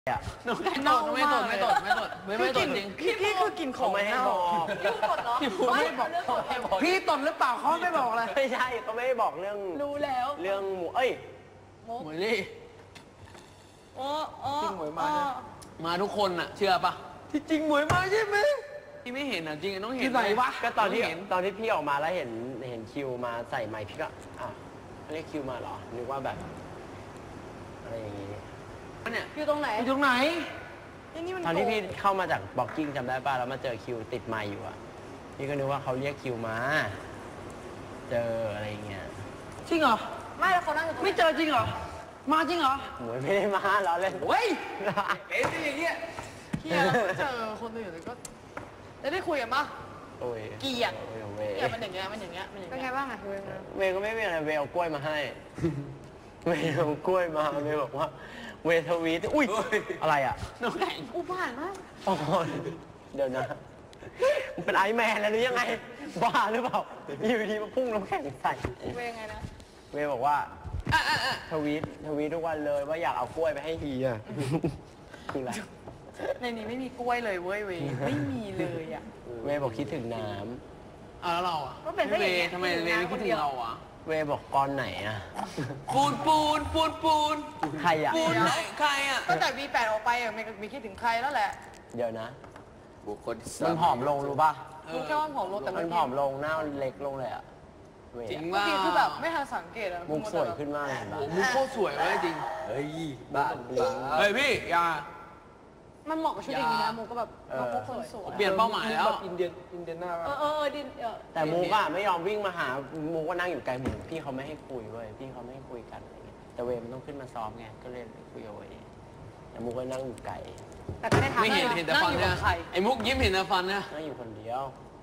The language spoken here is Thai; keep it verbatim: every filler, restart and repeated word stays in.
อะหนูไม่ตดไม่ตดไม่ตดไม่ตดไม่ไม่ตดจริงพี่พี่คือกินของไม่ให้บอกยุ่งกดเหรอพี่พูดไม่บอกพี่ตดหรือเปล่าเขาไม่บอกเลยไม่ใช่เขาไม่ได้บอกเรื่องรู้แล้วเรื่องหมูเอ้ยหมวยลี่โอ้โอ้จริงหมวยมามาทุกคนอะเชื่อปะที่จริงหมวยมาใช่ไหมพี่ไม่เห็นอะจริงต้องเห็นที่ไหนวะก็ตอนที่ตอนที่พี่ออกมาแล้วเห็นเห็นคิวมาใส่ไมค์พี่ก็อ่ะเรียกคิวมาเหรอนึกว่าแบบอะไรอย่างงี้เนี่ยอยู่ตรงไหนอยู่ตรงไหนตอนที่พี่เข้ามาจากบ็อกกิ้งจำได้ป่ะแล้วมาเจอคิวติดไมค์อยู่อะพี่ก็นึกว่าเขาเรียกคิวมาเจออะไรอย่างเงี้ยจริงเหรอไม่แล้วเขานั่งอยู่ตรงไม่เจอจริงเหรอมาจริงเหรอหมวยไม่ได้มาเราเล่นเฮ้ยเอ็นอย่างเงี้ยพี่แล้วเจอคนอื่นก็แล้วได้คุยกันปะโอ้ยเกลียดเกลียดมันอย่างเงี้ยมันอย่างเงี้ยมันอย่างเงี้ยเป็นไงบ้างอะเวเวก็ไม่มีอะไรเวเอากล้วยมาให้เวเอากล้วยมาเวบอกว่าเวทวีตอุ้ยอะไรอ่ะน้ำแข็งอุบาทมากโอ้ยเดี๋ยวนะมันเป็นไอแมนแล้วหรือยังไงบ้าหรือเปล่าอยู่ดีมาพุ่งน้ำแข็งใส่เวไงนะเวบอกว่าทวีตทวีตทุกวันเลยว่าอยากเอากล้วยไปให้ฮีอ่ะคืออะไรในนี้ไม่มีกล้วยเลยเว้ยเวไม่มีเลยอ่ะเวบอกคิดถึงน้ำอ่ะแล้วเราอ่ะก็เป็นเวทำไมเวไม่คิดถึงเราอ่ะเวบอกกอนไหนอ่ะปูนปูนปูนปูนใครอ่ะปูนไหนใครอ่ะก็จาก วี แปด ออกไปอ่ะมีคิดถึงใครแล้วแหละเดี๋ยวนะบุคคลมันผอมลงรู้ป่ะรู้แค่ว่าผอมลงแต่มันผอมลงหน้าเล็กลงเลยอ่ะจริงว่าคือแบบไม่ทันสังเกตอะมุกสวยขึ้นมากเลยนะมุกโคตรสวยเลยจริงเฮ้ยบ้าเฮ้ยพี่อย่ามันเหมาะกับชุดอย่างนี้นะมุกก็แบบมุกคนสวยเปลี่ยนเป้าหมายแล้วอินเดียนอินเดียนาเออเออดินแต่มุกอะไม่ยอมวิ่งมาหามุกก็นั่งอยู่ไกลหมูพี่เขาไม่ให้คุยเว้ยพี่เขาไม่ให้คุยกันอะไรเงี้ยแต่เวมันต้องขึ้นมาซ้อมไงก็เลยคุยเอาไว้แต่มุกก็นั่งอยู่ไกลแต่ก็ได้ทำไม่เห็นเห็นแต่ฟันเนี่ยไอ้มุกยิ้มเห็นแต่ฟันเนี่ยนั่งอยู่คนเดียว